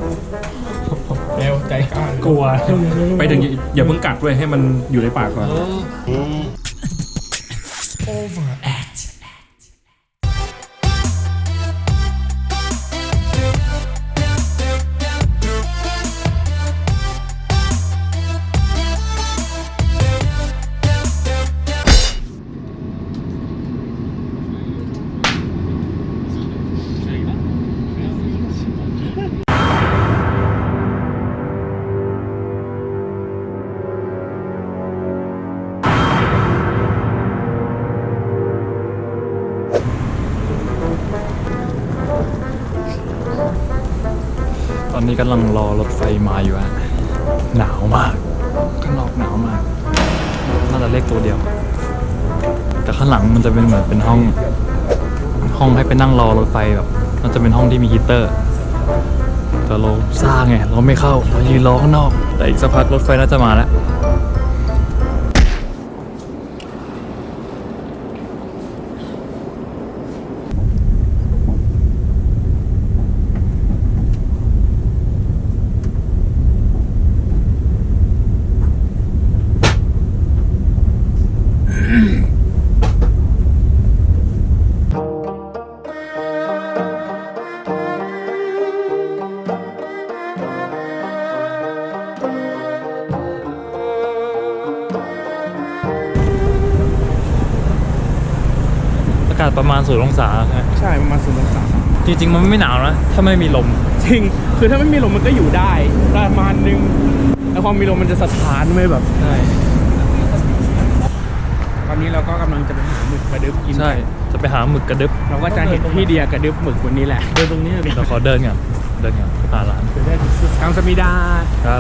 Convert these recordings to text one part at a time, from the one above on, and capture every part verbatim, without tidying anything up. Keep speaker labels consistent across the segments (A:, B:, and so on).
A: แมวใจกล้าก
B: ลัวไปถึงอย่าเพิ่งกัดด้วยให้มันอยู่ในปากก่อน
C: Overact
B: ตอนนี้กำลังรอรถไฟมาอยู่ฮะหนาวมากข้างนอกหนาวมากน่าจะเลขตัวเดียว แต่ข้างหลังมันจะเป็นเหมือนเป็นห้องห้องให้ไปนั่งรอรถไฟแบบมันจะเป็นห้องที่มีฮีตเตอร์แต่เราซ่าไงเราไม่เข้าเรายืนรอข้างนอกแต่อีกสักพักรถไฟน่าจะมาแล้วอากาศประมาณศูนย์องศาฮะ
A: ใช่ประมาณศูนย์องศา
B: จริงๆมันไม่หนาวนะถ้าไม่มีลม
A: จริงคือถ้าไม่มีลมมันก็อยู่ได้ประมาณนึงแต่พอมีลมมันจะสะท้านไม่แบบ
B: ใช่
A: ตอนนี้เราก็กำลังจะไปหาหมึกกระดึบกิน
B: ใช่จะไปหาหมึกกระดึบ
A: เราก็จะเห็นพี่เดียกระดึบหมึกวันนี้แหละเดินตรงนี้เลย
B: เราขอเดินก่อนเดินก่อนหาร้าน
A: กางสมิดา
B: ครับ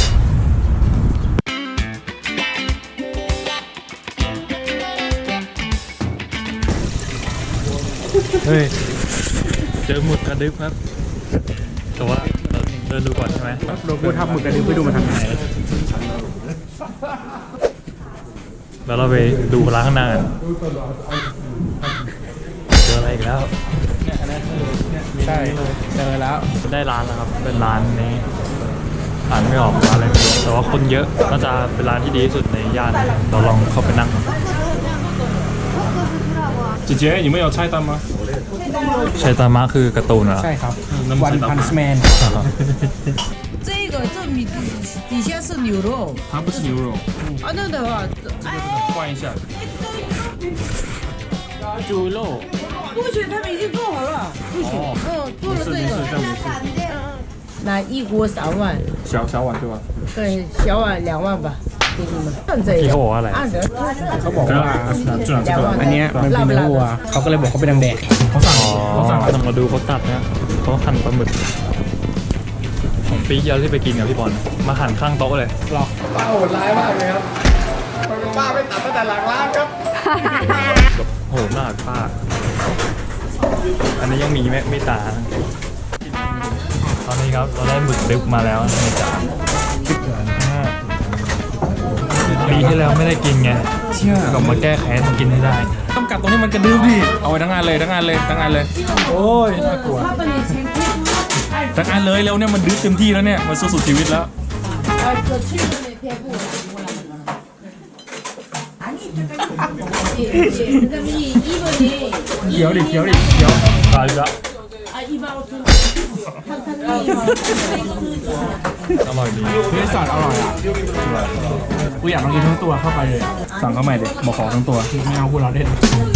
B: เฮ้ยเจอหมึกกระดึบครับแต่ว่าเราเดินดูก่อนใช่ไหม
A: เราพูดทับหมึกกระดึบไปดูมาทางไหน
B: แล้วเราไปดูร้านข้างหน้ากันเจออะไรอีกแล้ว
A: ใช่เจอแล้ว
B: ได้ร้านแล้วครับเป็นร้านนี้อ่านไม่ออกร้านอะไรไม่รู้แต่ว่าคนเยอะน่าจะเป็นร้านที่ดีที่สุดในย่านเราลองเข้าไปนั่ง姐姐你们有菜单吗ใช่ตามะคือการ์ตูนเหรอ
A: ใช่ครับวันพันส์แมน
D: 这个这米底下是牛肉
B: 它不是牛肉
D: 啊，那的话，哎，
B: 换一下
A: 猪肉
D: 不许他们已经做好了，不许，嗯，做了这个，拿一锅三万，
B: 小小碗对吧
D: 对，小碗两万吧，给你们。按这
B: พี่
D: 个
B: เขาบอกว่าอะไร
D: 按着，
A: เขาบอกว่า
D: 两万
A: อันเนี้ยมันเป็นเนื้อวัวเขาก็เลยบอกเขาเป็นดังแดก
B: เขาสั่งเขาสั่งต้องมาดูเขาตัดนะเขาหั่นปลาหมึกของปีเดียวที่ไปกินกับพี่บอลมาหั่นข้างโต๊ะเลย
A: หรอป้าโหดร้ายมากเลยครับป้าไปตัดตั้งแต่หลังร้านครับ
B: แบบโหหน้าป้าอันนี้ยังมีไม่ไม่ตาตอนนี้ครับเราได้หมึกดึบมาแล้วในจานปีที่แล้วไม่ได้กินไงเชื่อกลับมาแก้แค้นมากินให้ได้ต้องกัดตรงนี้มันกระดึบดิเอาไว้ทั้งงานเลยทั้งงานเลยทั้งงานเลยโอ้ยน่ากลัวทั้งงานเลยแล้วเนี่ยมันดึบเต็มที่แล้วเนี่ยมันสู้สุดชีวิตแล้วเขียวดิเขียวดิเขียวตายแล้วอร่อยดี
A: เนื้อสัตว์อร่อยอ่ะกูอยากลองกินทั้งตัวเข้าไปเลยอ่ะ
B: สั่งเข้าใหม่ดิบอกขอทั้งตัว
A: ไม่เอากูรอเล่น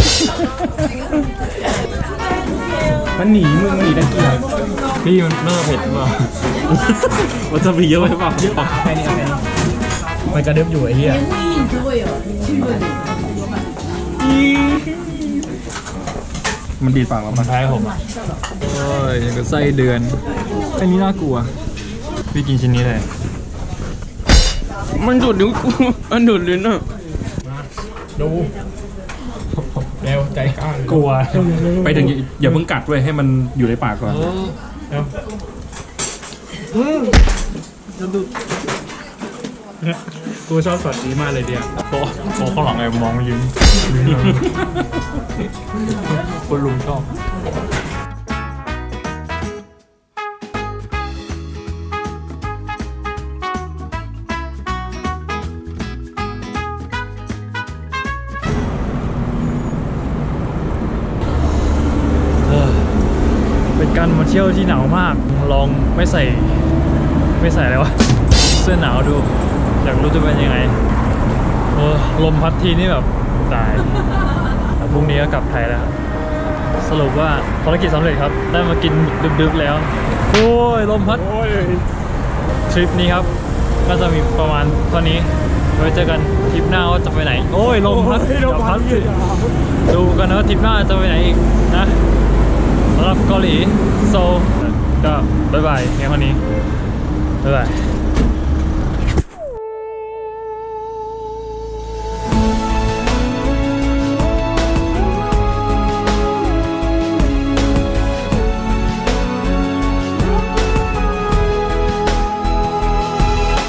A: มันหนีมึงหนีตะเกียบ
B: พี่มันเนื้อเผ็ดเปล่ามันจะมีเยอะไปเปล่า
A: แค่นี้แค่นี้มันกระเดิบอยู่ไอ้เหี้ย
B: มันดีดปากเรามันแพ้ผมอ่ะโอ้ยอย่างกับไส้เดือนไอ้นี้น่ากลัวพี่กินชิ้นนี้เลย
A: มันดูดนิ้วกูมันดูดลิ้นอ่ะดูแมวใจกล้ากลัว
B: ไปถึงอย่าเพิ่งกัดด้วยให้มันอยู่ในปากก่อน
A: กูชอบสอดดีมากเลยเดียว
B: โต๊ะโต๊ะข้างหลังไงมองมายิ้มคนลุงชอบการมาเที่ยวที่หนาวมาก ลองไม่ใส่ไม่ใส่อะไรวะ เสื้อหนาวดู อยากรู้จะเป็นยังไงโอ้ลมพัดทีนี่แบบตายพรุ่งนี้ก็กลับไทยแล้ว สรุปว่าภารกิจสำเร็จครับ ได้มากินดึกๆแล้ว โอ้ยลมพัดทริปนี้ครับ ก็จะมีประมาณเท่านี้ไว้เจอกันทริปหน้าว่าจะไปไหน โอ้ยลมพัดเดี๋ยวพัดสิดูกันนะว่าทริปหน้าจะไปไหนอีกนะสำหรับเกาหลีโซลก็บ๊ายบายแค่คนนี้บ๊ายบาย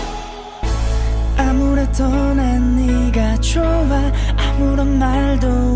C: 아무래도 난 네가 좋아 아무런 말도